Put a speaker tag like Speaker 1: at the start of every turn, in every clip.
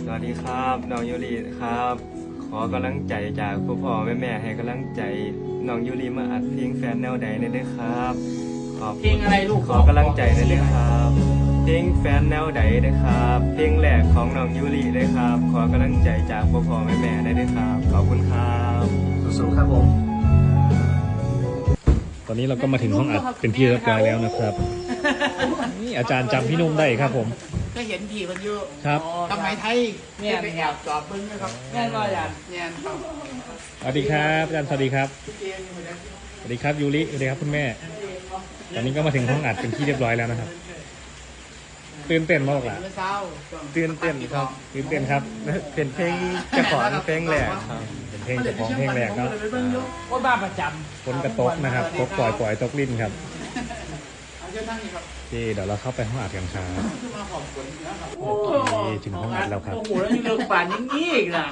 Speaker 1: วัสดีครับน้องยูริครับขอกำลังใจจากพ่อแม่ให้กำลังใจน้องยูริมาอัดเพลงแฟนแนวใดได้ด้วยครับขอบ
Speaker 2: เพลงอะไรลูก
Speaker 1: ขอกำลังใจได้ด้วยครับเพลงแฟนแนวใดได้ครับเพลงแรกของน้องยูริได้ครับขอกำลังใจจากพ่อแม่ได้ด้วยครับขอบคุณครับ
Speaker 3: สู้ๆครับผม
Speaker 4: ตอนนี้เราก็มาถึงห้องอัดเป็นที่เรียบร้อยแล้วนะครับนี่อาจารย์จำพี่นุ่มได้ครับผม
Speaker 2: ก็เห็นผีคนอยู่
Speaker 4: ครับ
Speaker 2: ทำไมไทยเนี่ยไปแอบจอบเบิ้งนะครับแม่ก็อย่างเนี่ยครับ
Speaker 4: สวัสดีครับอาจารย์สวัสดีครับสวัสดีครับยูริสวัสดีครับคุณแม่ ตอนนี้ก็มาถึงห้องอัดเป็นที่เรียบร้อยแล้วนะครับตื่นเต้นมากล่ะ
Speaker 2: เมื่อเช้า
Speaker 1: ตื่นเต้นครับ
Speaker 4: ตื่นเต้นครับ
Speaker 1: เป็นเพลงเจ้าของเพลงแรกครับ
Speaker 4: เป็นเพลงจากของเพลงแรกเนาะ
Speaker 2: ว่าบ้าประจ
Speaker 4: ฝนกระตกนะครับตกปล่อยตกลิ้นครับ
Speaker 2: ำเอาเจ้านั่งนี่ครับ
Speaker 4: ที่เดี๋ยวเราเข้าไปห้องอัดกันครับ
Speaker 2: ขึ้นมาขอบคุณนะครับ
Speaker 4: โอเคถึงห้องอัดแล้วครับ
Speaker 2: โอ้โหแล้วยังเลือกป่านอย่างนี้อีกนะ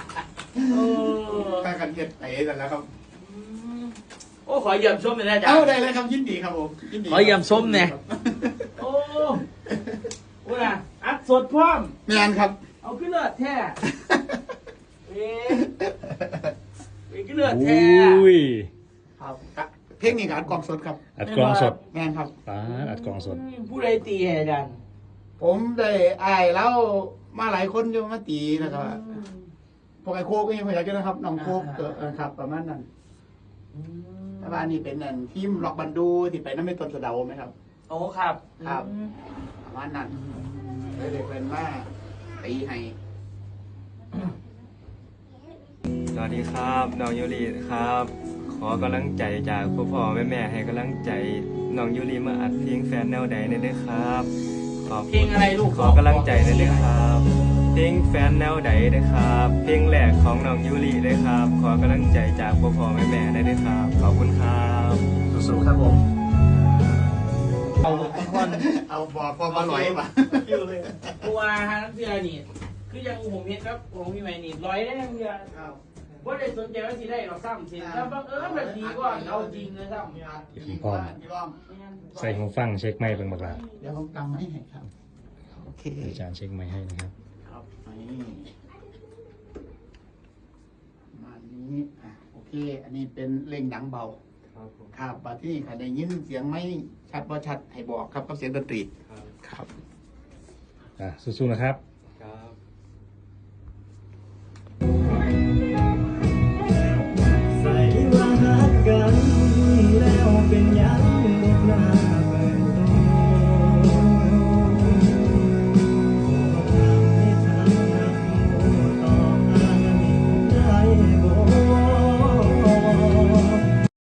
Speaker 3: ข้า
Speaker 2: โอ้
Speaker 3: กันเฮ็ดไปกันแล้วครับ
Speaker 2: โอ้ขอเยี่ยมชมเลยนะจ๊ะ
Speaker 3: เอาได้เลยครับยินดีครับผมยินดี
Speaker 2: ขอเยี่ยมชมเนี่ย โอ้โหนะอัดสดพร้อม
Speaker 3: แมนครับ
Speaker 2: เอาขึ้นเลือดแท้เอ๊ะขึ้นเลือด
Speaker 4: อ
Speaker 2: แท้
Speaker 4: ุ้ย
Speaker 3: ครับเพลงนี้กับอัดกล่องสดครับ
Speaker 4: อัดกลองสด
Speaker 3: แมนครับ
Speaker 4: ป้าดอัดกลองสด
Speaker 2: ผู้ใดตีให้ดัน
Speaker 3: ผมได้อายแล้วมาหลายคนอยู่มาตีแล้วก็พวกไอ้โคกก็ยังไม่อยากจะนะครับน้องโคกครับประมาณนั้นแต่ว่านี่เป็นนั่นทีมล็อกบันดูที่ไปน้ำไม่ต้นสะเดาไหมครับ
Speaker 2: โอ้ครับ
Speaker 3: ครับประมาณนั้นเลยเด็กเป็นมาตีให้
Speaker 1: สวัสดีครับน้องยูริครับขอกำลังใจจากพ่อแม่ให้กำลังใจน้องยูริมาอัดเพลงแฟนแนวใดได้ด้วยครับขอบ
Speaker 2: เพลงอะไรลูก
Speaker 1: ขอกำลังใจได้ด้วยครับเพลงแฟนแนวใดได้ครับเพลงแรกของน้องยูริได้ครับขอกำลังใจจากพ่อแม่ได้ด้วยครับขอบคุณครับ
Speaker 3: สู้ๆครับผม
Speaker 2: เอาคน
Speaker 3: เอาบอกพอมาลอยป่ะ
Speaker 2: อยู่เลยตัวฮานักเสียนี่คือยังผมเห็นครับผมมีใหม่นี่ร้อยได้ยังเดียวว่าได้สนใจว่าสิได้หรอกซ้ำสิแล้วบังเอิญแบบดีกว่าเอาจริงเลยซ้ำ
Speaker 4: พร้อม ใส่หูฟังเช็คไมค์เป็นบักลา
Speaker 3: เดี๋ยวผมกำให้ครับโอเค
Speaker 4: อาจารย์เช็คไมค์ให้นะครับ
Speaker 3: ครับนี่มานี้โอเค อันนี้เป็นเล่งดังเบา
Speaker 1: ครับผม
Speaker 3: ครับบัดที่ใครได้ยินเสียงไม่ชัดว่าชัดให้บอกครับกับเสียงดนตรีครับ
Speaker 4: สู้ๆนะครับ
Speaker 1: ครับ
Speaker 5: ใส่ว่าหักกันแล้วเป็นยังหมดหน้าเปิดตัวให้ทางนักโมต่ออานิได้บ่